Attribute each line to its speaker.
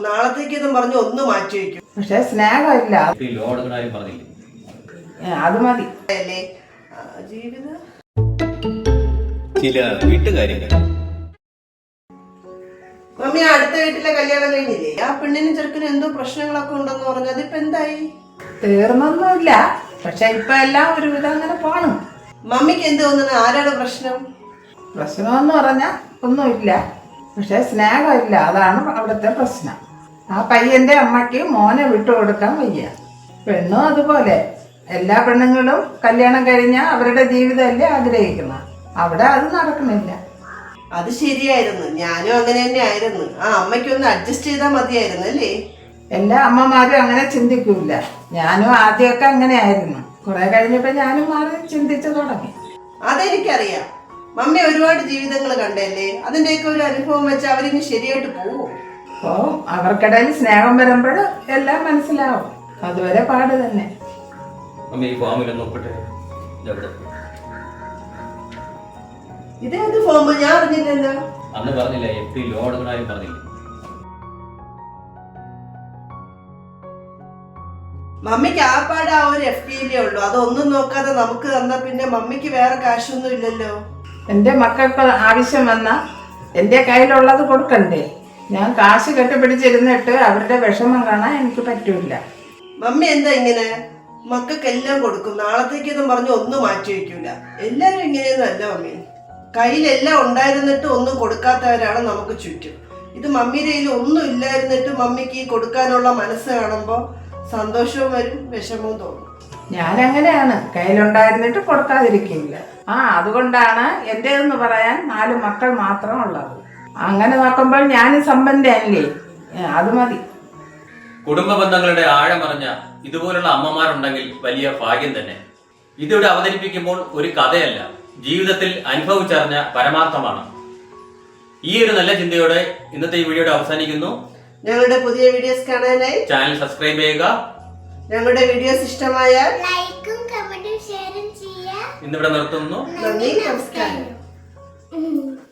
Speaker 1: നാളത്തേക്കെന്നും പറഞ്ഞ് ഒന്ന് മാറ്റി വയ്ക്കും.
Speaker 2: പക്ഷെ സ്നേഹമില്ല. അത് മതി.
Speaker 1: ജീവിതം
Speaker 3: ചില വീട്ടുകാര്യങ്ങൾ.
Speaker 1: മമ്മി, അടുത്ത വീട്ടിലെ കല്യാണം കഴിഞ്ഞില്ലേ? ആ പെണ്ണിനും ചെറുക്കനും എന്തോ പ്രശ്നങ്ങളൊക്കെ ഉണ്ടെന്ന് പറഞ്ഞു. അതിപ്പോ എന്തായി?
Speaker 2: തീർന്നൊന്നുമില്ല. പക്ഷെ ഇപ്പൊ എല്ലാം ഒരുവിധം അങ്ങനെ പോണം.
Speaker 1: മമ്മിക്ക് എന്ത് തോന്നുന്നു? ആരാണ് പ്രശ്നം?
Speaker 2: പ്രശ്നമെന്ന് പറഞ്ഞാൽ ഒന്നുമില്ല. പക്ഷെ സ്നേഹമില്ല. അതാണ് അവിടുത്തെ പ്രശ്നം. ആ പയ്യന്റെ അമ്മയ്ക്ക് മോനെ വിട്ടുകൊടുക്കാൻ വയ്യ. പെണ്ണും അതുപോലെ. എല്ലാ പെണ്ണുങ്ങളും കല്യാണം കഴിഞ്ഞാൽ അവരുടെ ജീവിതമല്ലേ ആഗ്രഹിക്കുന്നത്. അവിടെ അത് നടക്കുന്നില്ല.
Speaker 1: അത് ശരിയായിരുന്നു. ഞാനും അങ്ങനെ തന്നെ ആയിരുന്നു. ആ അമ്മയ്ക്കൊന്ന് അഡ്ജസ്റ്റ് ചെയ്താൽ മതിയായിരുന്നു അല്ലേ?
Speaker 2: എല്ലാ അമ്മമാരും അങ്ങനെ ചിന്തിക്കൂല. ഞാനും ആദ്യമൊക്കെ അങ്ങനെ ആയിരുന്നു. കുറെ കഴിഞ്ഞപ്പോ ഞാനും മാറി ചിന്തിച്ചു തുടങ്ങി.
Speaker 1: അതെനിക്കറിയാം. മമ്മി ഒരുപാട് ജീവിതങ്ങൾ കണ്ടല്ലേ? അതിന്റെയൊക്കെ ഒരു അനുഭവം വെച്ച് അവരിനി ശരിയായിട്ട് പോവും.
Speaker 2: അപ്പോ അവർക്കിടയിൽ സ്നേഹം വരുമ്പോൾ എല്ലാം മനസ്സിലാവും. അതുവരെ പാട് തന്നെ.
Speaker 1: ഇതേത് ഫോം? ഞാൻ അറിഞ്ഞില്ലല്ലോ.
Speaker 3: അന്ന് പറഞ്ഞില്ല FD ലോൺ എടുക്കണാരും പറഞ്ഞില്ല.
Speaker 1: മമ്മിക്ക് ആപ്പാട് ആ ഒരു FD ഉള്ളൂ. അതൊന്നും നോക്കാതെ നമുക്ക് തന്നാ പിന്നെ മമ്മിക്ക് വേറെ കാശൊന്നും ഇല്ലല്ലോ.
Speaker 2: എൻ്റെ മക്കൾക്ക് ആവശ്യം വന്നാൽ എൻ്റെ കയ്യിലുള്ളത് കൊടുക്കണ്ടേ? ഞാൻ കാശ് കെട്ടിപ്പിടിച്ചിരുന്നിട്ട് അവരുടെ വിഷമം കാണാൻ എനിക്ക് പറ്റൂല.
Speaker 1: മമ്മി എന്താ ഇങ്ങനെ? മക്കൾക്കെല്ലാം കൊടുക്കും, നാളത്തേക്കെന്നും പറഞ്ഞ് ഒന്നും മാറ്റി വയ്ക്കൂല. എല്ലാരും ഇങ്ങനെയൊന്നും അല്ല മമ്മി. കയ്യിലെല്ലാം ഉണ്ടായിരുന്നിട്ട് ഒന്നും കൊടുക്കാത്തവരാണ് നമുക്ക് ചുറ്റും. ഇത് മമ്മിയുടെ കയ്യിൽ ഒന്നും ഇല്ലായിരുന്നിട്ട് മമ്മിക്ക് ഈ കൊടുക്കാനുള്ള മനസ്സ് കാണുമ്പോൾ സന്തോഷവും വരും, വിഷമവും തോന്നും.
Speaker 2: ഞാനങ്ങനെയാണ്. കയ്യിലുണ്ടായിരുന്നിട്ട് കൊടുക്കാതിരിക്കില്ല. അതുകൊണ്ടാണ് എൻ്റെതെന്ന് പറയാൻ 4 മക്കൾ മാത്രം ഉള്ളത്. അങ്ങനെ നോക്കുമ്പോൾ ഞാൻ സമ്പന്നല്ലേ? അത് മതി.
Speaker 3: കുടുംബ ബന്ധങ്ങളുടെ ആഴമറിഞ്ഞ ഇതുപോലുള്ള അമ്മമാരുണ്ടെങ്കിൽ വലിയ ഭാഗ്യം തന്നെ. ഇതിവിടെ അവതരിപ്പിക്കുമ്പോൾ ഒരു കഥയല്ല, ജീവിതത്തിൽ അനുഭവിച്ചറിഞ്ഞ പരമാർത്ഥമാണ്. ഈ ഒരു നല്ല ചിന്തയോടെ ഇന്നത്തെ ഈ വീഡിയോയുടെ അവസാനിക്കുന്നു.
Speaker 1: ഞങ്ങളുടെ പുതിയ വീഡിയോസ് കാണാനായി
Speaker 3: ചാനൽ സബ്സ്ക്രൈബ് ചെയ്യുക.
Speaker 1: ഞങ്ങളുടെ വീഡിയോസ് ഇഷ്ടമായാൽ
Speaker 4: ലൈക്കും കമന്റും ഷെയറും ചെയ്യുക.
Speaker 3: ഇന്നിവിടെ നിർത്തുന്നു.
Speaker 1: നന്ദി, നമസ്കാരം.